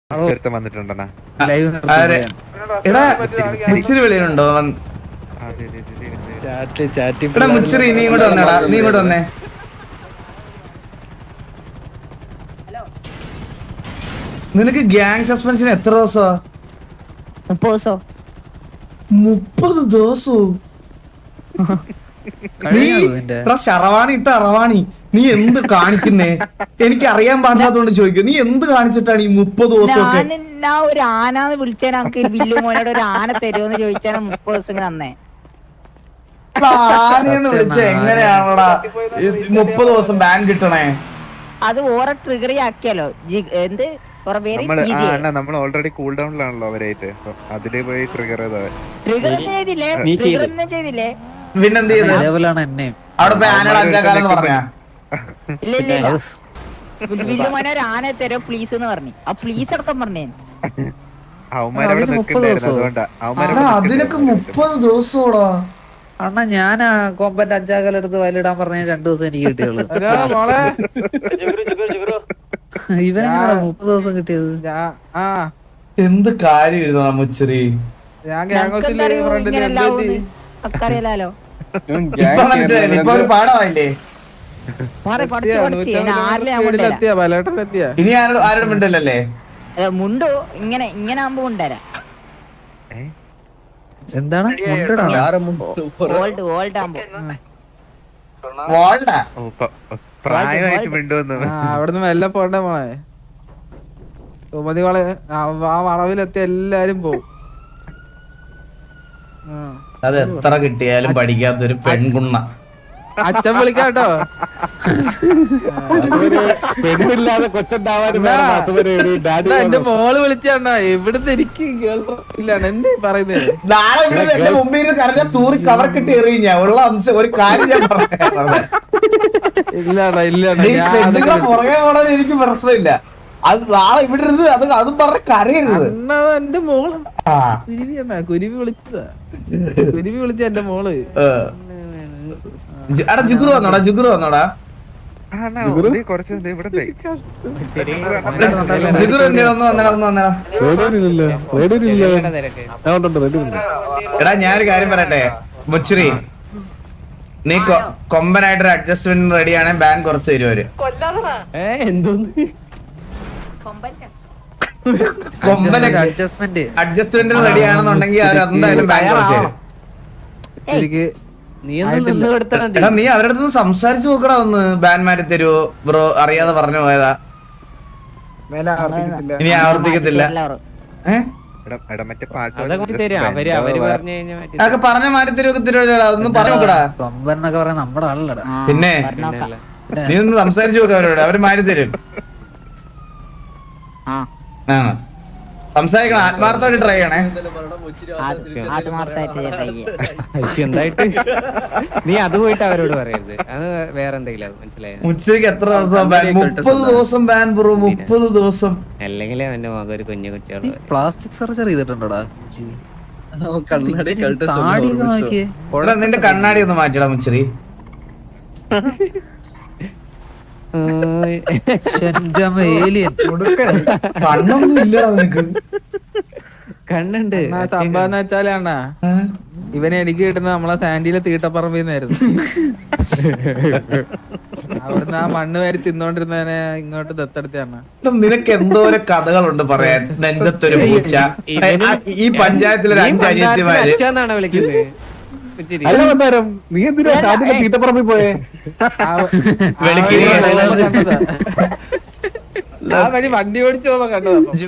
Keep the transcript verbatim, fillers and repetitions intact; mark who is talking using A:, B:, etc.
A: വന്നിട്ടുണ്ടെന്നാ
B: എടാ മുച്ചിരി വെളിയിലുണ്ടോ? എടാ മുച്ചിരി നീ ഇങ്ങോട്ട് വന്നേടാ, നീ ഇങ്ങോട്ട് വന്നേ. നിനക്ക് ഗ്യാങ് സസ്പെൻഷൻ എത്ര ദിവസമാ?
C: മുപ്പത് ദിവസോ?
B: മുപ്പത് ദിവസവും? ശറവാണി ഇട്ട അറവാണി, നീ എന്ത് കാണിക്കുന്നേ? എനിക്ക് അറിയാൻ പാടില്ലാത്തോണ്ട് ചോദിക്കും, നീ എന്ത് കാണിച്ചിട്ടാണ് ഈ മുപ്പത് ദിവസമൊക്കെ?
C: ഞാൻ ഒരു ആനാന്ന് വിളിച്ചാൽ നമുക്ക് വില്ലു മോനോട് ഒരു ആന തരുമെന്ന് ചോദിച്ചാൽ മുപ്പത് ദിവസം തന്നെ.
B: ആനയെന്ന് വിളിച്ച എങ്ങനെയാണോടാ മുപ്പത് ദിവസം ബാൻ കിട്ടണേ?
C: അത് ഓരോ ട്രിഗറി ആക്കിയാലോ എന്ത്
A: നമ്മൾ ഓൾറെഡി കൂൾ ഡൗണിലാണല്ലോ അവരായിട്ട്, അതിലേ പോയി ട്രിഗർ
C: ട്രിഗർ ചെയ്തില്ലേ? ട്രിഗർ ഒന്നും ചെയ്തില്ലേ?
B: പിന്നെന്ത് ചെയ്ത് അവിടെ പോയി ആനയുടെ അഞ്ചാക്കാലെന്ന് പറഞ്ഞാ?
C: ഇല്ല ഇല്ല ഇല്ല, വില്ലു മോനെ ഒരു ആന തരോ പ്ലീസ് എന്ന് പറഞ്ഞു. ആ പ്ലീസ് അടക്കം പറഞ്ഞേ.
B: അതിനൊക്കെ മുപ്പത് ദിവസോടാ
D: അണ്ണാ. ഞാൻ കോമ്പറ്റ് അഞ്ചാക്കാലെടുത്ത് വയലിടാൻ പറഞ്ഞ രണ്ടു ദിവസം എനിക്ക് കിട്ടിയുള്ളൂ. ഇവനെങ്ങനെയാ മുപ്പത് ദിവസം കിട്ടിയത്?
B: എന്ത് കാര്യം മുച്ചിരി?
C: അറിയാലോ
B: ഇപ്പൊ മനസ്സിലായില്ലേ? ഇപ്പൊ ഒരു പാഠമായില്ലേ? ഇനി ആരോട് ആരോടും മിണ്ടല്ലേ?
C: മുണ്ടോ ഇങ്ങനെ ഇങ്ങനെ ആകുമ്പോ കൊണ്ടുവരാം.
D: എന്താണ്
C: ഓൾഡ് ഓൾഡ് ആകുമ്പോ
E: അവിടുന്ന് മെല്ലെ പോണ്ടേ മോളെ. സുമതി വള ആ വളവിലെത്തി എല്ലാരും പോവും.
B: അത് എത്ര കിട്ടിയാലും പഠിക്കാത്തൊരു പെൺകുണ്ണ.
E: അച്ഛൻ വിളിക്കാട്ടോ. എന്റെ മോള് വിളിച്ചാണ്ടാ. ഇവിടുത്തെ എനിക്ക് ഇല്ലാണ് എന്തേ പറയുന്നത്.
B: നാളെ ഇവിടെ എന്റെ മുമ്പിൽ കറഞ്ഞ തൂറി കവർ കിട്ടി എറിയും ഞാൻ. ഉള്ള അംശം ഒരു കാര്യം ഞാൻ പറഞ്ഞു.
E: ഇല്ലാടാ ഇല്ലാടാ,
B: പെണ്ണുങ്ങളെ പുറകെ പോണത് എനിക്ക് പ്രശ്നമില്ല. അത് നാളെ ഇവിടെ ഇരുന്ന് അത് അതും പറഞ്ഞ കരയരുത്.
E: എന്റെ മോള് കുരുവിയാ, കുരുവി വിളിച്ചതാ. കുരുവി വിളിച്ച എന്റെ മോള്.
B: എടാ ജുഗുറു വന്നോടാ, ജുഗുറു വന്നോടാ. ജുഗുറു എന്തിനാ ഒന്ന് വന്നടാ, ഒന്ന് വന്നടാ. എടാ ഞാനൊരു കാര്യം പറയട്ടെ മുച്ചിരി, നീ കൊമ്പനായിട്ടൊരു അഡ്ജസ്റ്റ്മെന്റ് റെഡിയാണ്, ബാൻ കുറച്ച് തരുവര്. കൊമ്പനൊക്കെ
D: അഡ്ജസ്റ്റ്മെന്റ്
B: അഡ്ജസ്റ്റ്മെന്റ് റെഡിയാണെന്നുണ്ടെങ്കിൽ അവർ എന്തായാലും ബാൻ കുറച്ച് തരും. എടാ നീ അവരുടെ അടുത്ത് സംസാരിച്ചു നോക്കടാ ഒന്ന്, ബാൻ മാറ്റി തരുവോ ബ്രോ? അറിയാതെ പറഞ്ഞു പോയതാ, ഇനി ആവർത്തിക്കത്തില്ല. അതൊക്കെ പറഞ്ഞ മാറ്റി തരുവൊക്കെ തരുവോടാ, ഒന്നും പറഞ്ഞു നോക്കടാ.
D: കൊമ്പന്നൊക്കെ പറയാൻ നമ്മുടെ ആളല്ലടാ.
B: പിന്നെ നീ ഒന്ന് സംസാരിച്ചു നോക്ക അവരോട്, അവര് മാറ്റി തരും. ആ സംസാരിക്കണം, ആത്മാർത്ഥമായിട്ട് ട്രൈ ചെയ്യണേ.
F: നീ അത് പോയിട്ട് അവരോട് പറയരുത്, അത് വേറെ എന്തെങ്കിലും മനസ്സിലായത്.
B: ഉച്ചയ്ക്ക് എത്ര ദിവസം ബാൻ? മുപ്പത് ദിവസം ബാൻ ബ്രോ, മുപ്പത് ദിവസം.
F: അല്ലെങ്കിൽ അവന്റെ മകൻ ഒരു കുഞ്ഞു കുട്ടികൾ
D: പ്ലാസ്റ്റിക് സർജറി ചെയ്തിട്ടുണ്ടോടാ?
B: നിന്റെ കണ്ണാടി ഒന്ന് മാറ്റിടാ മുച്ചിരി. കണ്ണൊന്നും ഇല്ലടാ നിനക്ക്.
F: കണ്ണുണ്ട്.
E: സംഭവം എന്ന് വെച്ചാലാണ് ഇവനെ എനിക്ക് കിട്ടുന്നത് നമ്മളെ സാൻഡിയിലെ തീട്ടപ്പറമ്പിന്നായിരുന്നു. അവിടുന്ന് ആ മണ്ണ് വാരി തിന്നോണ്ടിരുന്നവനെ ഇങ്ങോട്ട് ദത്തെടുത്താണ്.
B: നിനക്ക് എന്തോരം കഥകളുണ്ട് പറയാൻ. നെഞ്ചത്തൊരു പൂച്ച, ഈ പഞ്ചായത്തിലൊരു അഞ്ച് അനിയത്തിമാര്.
F: വിളിക്കുന്നത്
E: നീ എന്തിനാ തീട്ടപ്പറമ്പിൽ പോയേ? ആ വഴി വണ്ടി ഓടിച്ചു പോകുമ്പോ കണ്ടതാ.